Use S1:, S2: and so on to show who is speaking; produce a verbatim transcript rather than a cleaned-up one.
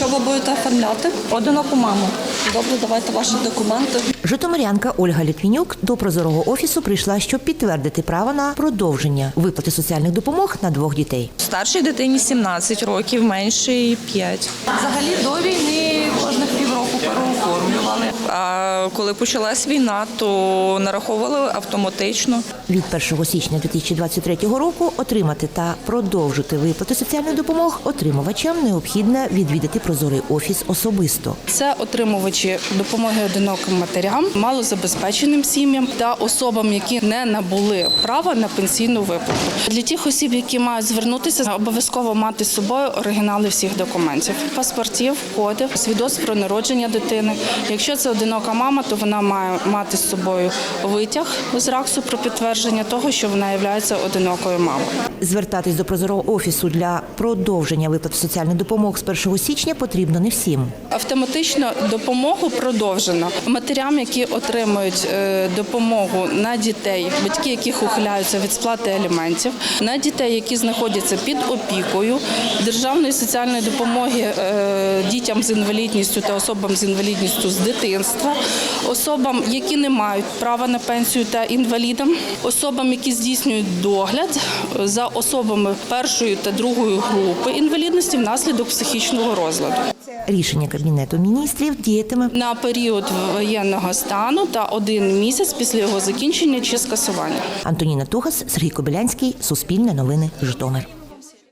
S1: ви будете оформляти?
S2: Одиноку маму.
S1: Добре, давайте ваші документи.
S3: Житомирянка Ольга Літвінюк до прозорого офісу прийшла, щоб підтвердити право на продовження виплати соціальних допомог на двох дітей.
S2: Старшій дитині сімнадцять років, меншій п'ять. Взагалі до війни кожних півроку переоформлювали. А коли почалась війна, то нараховували автоматично.
S3: Від першого січня дві тисячі двадцять третього року отримати та продовжити виплати соціальних допомог отримувачам необхідно відвідати прозорий офіс особисто.
S4: Це отримувачі допомоги одиноким матерям, малозабезпеченим сім'ям та особам, які не набули права на пенсійну виплату. Для тих осіб, які мають звернутися, обов'язково мати з собою оригінали всіх документів: паспортів, кодів, свідоцтв про народження дитини. Якщо це одинока мама, то вона має мати з собою витяг з РАКСу про підтвердження того, що вона є одинокою мамою.
S3: Звертатись до прозорого офісу для продовження виплати соціальних допомог з першого січня потрібно не всім.
S4: Автоматично допомогу продовжено матерям, які отримують допомогу на дітей, батьки яких ухиляються від сплати аліментів, на дітей, які знаходяться під опікою, державної соціальної допомоги дітям з інвалідністю та особам з інвалідністю з дитинства, особам, які не мають права на пенсію та інвалідам, особам, які здійснюють догляд за особами першої та другої групи інвалідності внаслідок психічного розладу.
S3: Рішення Кабінету міністрів діятиме
S4: на період воєнного стану та один місяць після його закінчення чи скасування.
S3: Антоніна Тугас, Сергій Кобилянський, Суспільне новини, Житомир.